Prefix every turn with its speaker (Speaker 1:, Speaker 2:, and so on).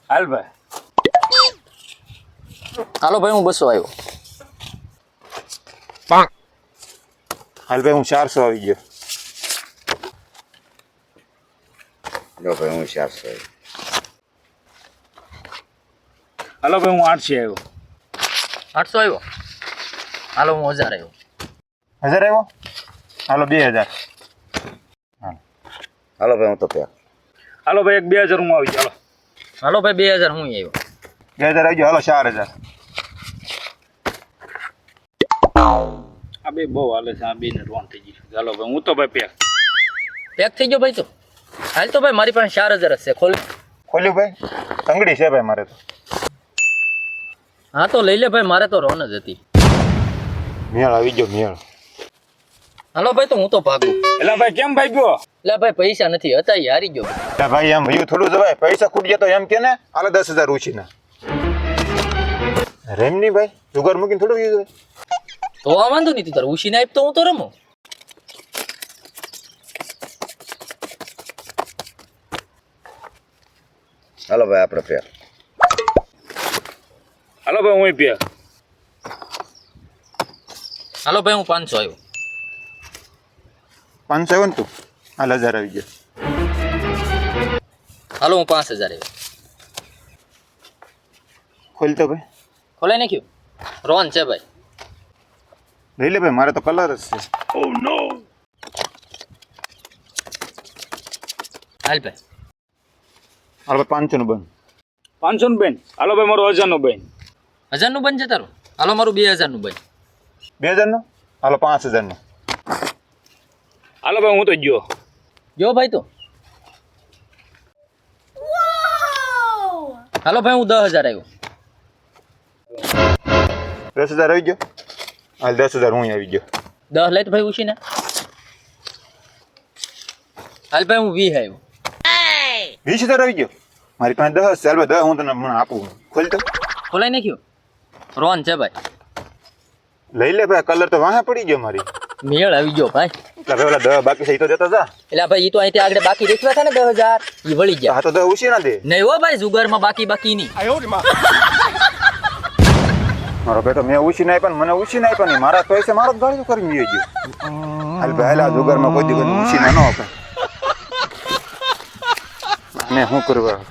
Speaker 1: હાલ ભાઈ.
Speaker 2: હાલો ભાઈ હું 200 આવ્યો.
Speaker 3: હાલ ભાઈ હું 400 આવી ગયો.
Speaker 4: લો ભાઈ હું 400
Speaker 1: હાલો ભાઈ હું 800 આવ્યો.
Speaker 2: 800 આવ્યો. હાલો હું 1000 આવ્યો.
Speaker 3: 1000 આવ્યો. હાલો 2000.
Speaker 4: હાલો ભાઈ હું તો પ્યા.
Speaker 1: હાલો ભાઈ એક 2000 હું આવી ગયો.
Speaker 2: હાલો ભાઈ 2000 હું આવ્યો.
Speaker 3: 2000 આવી ગયો. હાલો 4000.
Speaker 1: આ બે બહુ હાલે છે. આ બે ને રોન થઈ ગઈ. હાલો ભાઈ હું તો ભાઈ
Speaker 2: પેક થઈ ગયો ભાઈ તો. હાલ તો ભાઈ મારી પાસે 4000 જ છે.
Speaker 3: ખોલ્યું ભાઈ. તંગડી છે ભાઈ મારે તો.
Speaker 2: હા તો લઈ લે ભાઈ, મારે તો રોન જ હતી.
Speaker 3: મેળ આવી ગયો મેળ.
Speaker 2: હાલો ભાઈ તો હું તો ભાગું.
Speaker 1: એટલે ભાઈ કેમ ભાઈ ગયો?
Speaker 2: એટલે ભાઈ પૈસા નથી હતા, ઈ હારી ગયો.
Speaker 3: એટલે ભાઈ એમ ભયું થોડું જવાય. પૈસા ખૂટ ગયા તો એમ કે ને હાલો 10000 ઉછીના. રેમ નહીં ભાઈ. જુગાર મૂકીને થોડું યુઝ હોય.
Speaker 2: તો આ વાંધો નહીં, તારે ઉછીને આપ તો હું તો રમું.
Speaker 4: હાલો ભાઈ આપણે પ્યા.
Speaker 1: હાલો ભાઈ હું પ્યા.
Speaker 2: હાલો ભાઈ હું 500 આવ્યો.
Speaker 3: 500 આવ્યો ને તું. હાલ 1000 આવી ગયો.
Speaker 2: હાલો હું 5000 આવ્યો.
Speaker 3: ખોલ તો ભાઈ.
Speaker 2: ખોલાઈ નાખ્યું. રોન છે ભાઈ.
Speaker 3: લઈ લે ભાઈ, મારે તો કલર જ છે.
Speaker 1: ઓ નો.
Speaker 2: હાલ ભાઈ.
Speaker 3: હાલ ભાઈ 500 નું બંધ.
Speaker 1: 500 નું બેન. હાલો ભાઈ મારું 1000 નું બેન.
Speaker 2: 1000 નું બન છે તારું. હાલો મારું 2000 નું બન.
Speaker 3: 2000 નું. હાલો 5000 નું.
Speaker 1: હાલો ભાઈ હું તો ગયો.
Speaker 2: જો ભાઈ તો. હાલો ભાઈ હું 10000 આવ્યો.
Speaker 3: 10000 આવી ગયો. હાલ 10000 હું આવી ગયો.
Speaker 2: 10 લઈ તો ભાઈ ઉછીને. હાલ ભાઈ હું 20 આવ્યો.
Speaker 3: 20000 આવી ગયો. મારી પાસે 10 છે. હાલ ભાઈ 10 હું તને મને આપું. ખોલ તો.
Speaker 2: ખોલાઈ નાખ્યું. રોન છે ભાઈ.
Speaker 3: લઈ લે ભાઈ, કલર તો વાહે પડી ગયો મારી.
Speaker 2: મેળ આવી ગયો ભાઈ.
Speaker 3: એટલે ભાઈ ઓલા 10 બાકી છે ઈ તો દેતા જા.
Speaker 2: એટલે ભાઈ ઈ તો અહીંથી આગળ બાકી રેખવા હતા ને 10000 ઈ વળી ગયા.
Speaker 3: હા તો 10 ઉછી ના દે.
Speaker 2: નહીં હો ભાઈ, જુગારમાં બાકી નહીં.
Speaker 3: મારો બેટો મેં ઉછી ના આપ્યા ને મને ઉછી ના આપ્યા નહીં. મારા પૈસા મારો જ ગાળ્યો કરીને ગયો. હાલ ભાઈ હાલ આ જુગારમાં કોઈ દિવસ ઉછી ના ન અપાય. મેં શું કરવા